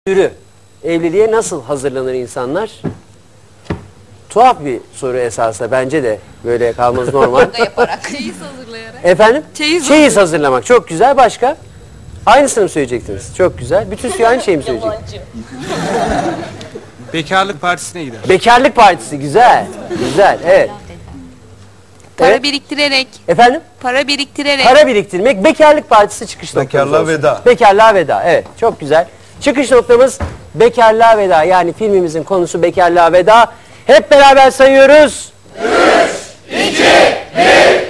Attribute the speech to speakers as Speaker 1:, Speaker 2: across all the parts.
Speaker 1: Yürü. Evliliğe nasıl hazırlanır insanlar? Tuhaf bir soru esasında. Bence de böyle kalması normal.
Speaker 2: Yaparak. Çeyiz hazırlayarak.
Speaker 1: Efendim?
Speaker 2: Çeyiz
Speaker 1: hazırlamak. Çok güzel. Başka? Aynısını mı söyleyecektiniz? Çok güzel. Bütün suyu aynı şeyi mi söyleyecek?
Speaker 3: Bekarlık partisine gider.
Speaker 1: Bekarlık partisi. Güzel. Güzel. Evet.
Speaker 2: Para
Speaker 1: Evet.
Speaker 2: biriktirerek.
Speaker 1: Efendim?
Speaker 2: Para biriktirerek.
Speaker 1: Para biriktirmek. Bekarlık partisi çıkış noktamız
Speaker 4: Bekarlığa
Speaker 1: olsun.
Speaker 4: veda.
Speaker 1: Bekarlığa veda. Evet. Çok güzel. Çıkış noktamız bekarlığa veda. Yani filmimizin konusu bekarlığa veda. Hep beraber sayıyoruz. 3, 2, 1.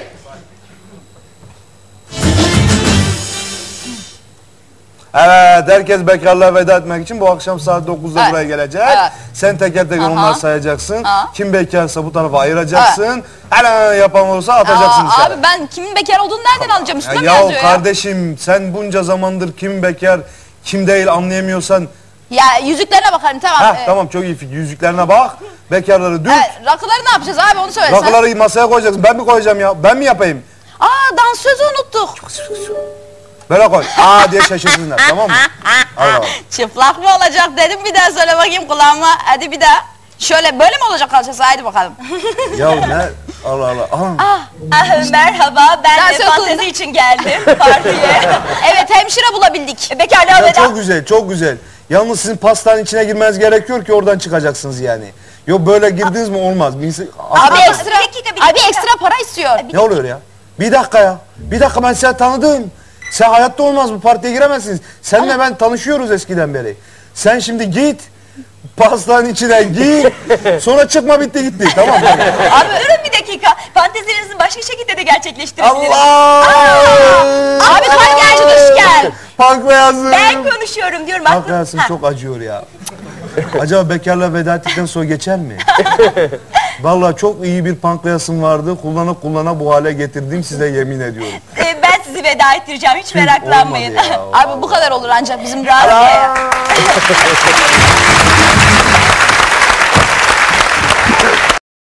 Speaker 4: Evet, herkes bekarlığa veda etmek için bu akşam saat 9'da
Speaker 2: Evet.
Speaker 4: buraya gelecek.
Speaker 2: Evet.
Speaker 4: Sen teker teker
Speaker 2: Aha.
Speaker 4: onları sayacaksın.
Speaker 2: Aha.
Speaker 4: Kim bekarsa bu tarafa ayıracaksın. Hemen yapan olursa atacaksın dışarı.
Speaker 5: Abi ben kimin bekar olduğunu nereden alacağım? Üstüne mi
Speaker 4: Ya
Speaker 5: yazıyor ya?
Speaker 4: kardeşim sen bunca zamandır kim bekar kim değil anlayamıyorsan.
Speaker 5: Ya yüzüklerine bakarım tamam.
Speaker 4: Tamam çok iyi fikir. Yüzüklerine bak. Bekarları dük.
Speaker 5: Rakıları ne yapacağız abi onu söylesen.
Speaker 4: Rakıları masaya koyacaksın. Ben mi koyacağım ya? Ben mi yapayım?
Speaker 5: Aa dansözü unuttuk.
Speaker 4: Böyle koy. Aa diye şaşırsınlar tamam mı? Hadi bakalım.
Speaker 5: Çıplak mı olacak dedim bir daha söyle bakayım kulağıma. Hadi bir daha. Şöyle böyle mi olacak kalçası haydi bakalım.
Speaker 4: Ya ne? Allah Allah. Aha.
Speaker 5: Merhaba ben
Speaker 2: Dans
Speaker 5: de
Speaker 2: okulunda-
Speaker 5: fantezi için geldim partiye. Evet hemşire bulabildik. Bekarlığa
Speaker 4: Ya
Speaker 5: veda.
Speaker 4: çok güzel, çok güzel. Yalnız sizin pastanın içine girmeniz gerekiyor ki oradan çıkacaksınız yani. Yok böyle girdiniz mi olmaz.
Speaker 5: Abi ekstra, abi ekstra para istiyor.
Speaker 4: Ne oluyor ya? Bir dakika ya. Bir dakika ben seni tanıdım. Sen hayatta olmaz bu partiye giremezsiniz. Seninle ben tanışıyoruz eskiden beri. Sen şimdi git. Pastanın içine gir. Sonra çıkma bitti gitti. Tamam mı?
Speaker 5: Abi durun bir dakika. Fantezilerinizi başka şekilde de gerçekleştirebiliriz.
Speaker 4: Allah!
Speaker 5: Abi kan geldi gel.
Speaker 4: Pankreasım.
Speaker 5: Ben konuşuyorum diyorum.
Speaker 4: Pankreasım çok acıyor ya. Acaba bekarla veda ettikten sonra geçer mi? Vallahi çok iyi bir pankreasım vardı. Kullana bu hale getirdim size yemin ediyorum.
Speaker 5: Ben sizi veda ettireceğim. Hiç meraklanmayın.
Speaker 4: Olmadı ya,
Speaker 5: Abi bu kadar olur ancak bizim rahat.